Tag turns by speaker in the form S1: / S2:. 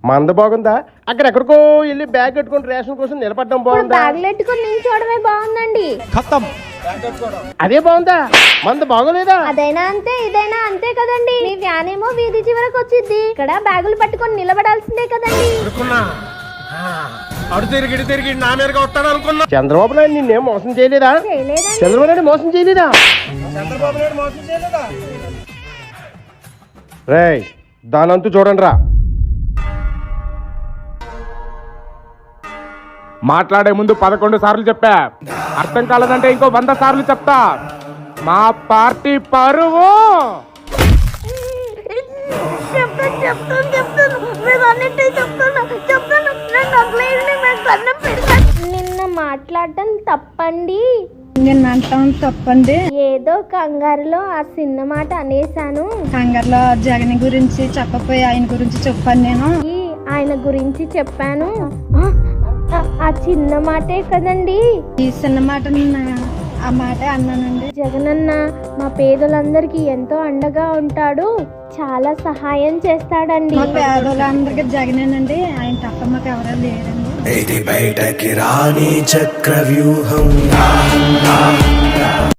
S1: మంద బాగుందా? అక్కడెక్కడికో వెళ్ళి బ్యాగ్ కట్టుకుని రేషన్ కోసం నిలబడడం బాగుందా?
S2: బ్యాగులెట్టుకుని నిల్చోవడమే బాగుందండి.
S1: అదే బాగుందా? మంద బాగోలేదా?
S2: అదైనా అంతే ఇదైనా అంతే కదండి. మీ వ్యాన్ ఏమో వీధి చివరకు వచ్చింది, ఇక్కడ బ్యాగులు పట్టుకొని నిలబడాల్సిందే కదండి.
S1: చంద్రబాబు నాయుడు నిన్నేం మోసం చేయలేదా? చంద్రబాబు నాయుడు మోసం చేయలేదా? రేయ్, దానంతు చూడండి రా.
S3: మాట్లాడే ముందు 11 సార్లు చెప్పా, అర్థం కాలేదంటే ఇంకో 100 సార్లు చెప్తా. మా పార్టీ పరువు
S2: నిన్న మాట్లాడటం తప్పండి.
S4: నేను అంటాం తప్పండి.
S2: ఏదో కంగారులో ఆ చిన్న మాట అనేసాను.
S4: కంగారులో జగన్ గురించి చెప్పపోయి ఆయన గురించి చెప్పాను. నేను
S2: ఆయన గురించి చెప్పాను. ఆ చిన్న మాటే కదండి.
S4: ఈ చిన్న మాట ఆ మాటే అన్నానండి.
S2: జగనన్న మా పేదలందరికీ ఎంతో అండగా ఉంటాడు, చాలా సహాయం చేస్తాడండి.
S4: మా పేదలందరికీ జగనేనండి, ఆయన తప్ప మాకు ఎవరూ లేరండి.
S5: ఇది బయటకి రాని చక్రవ్యూహం.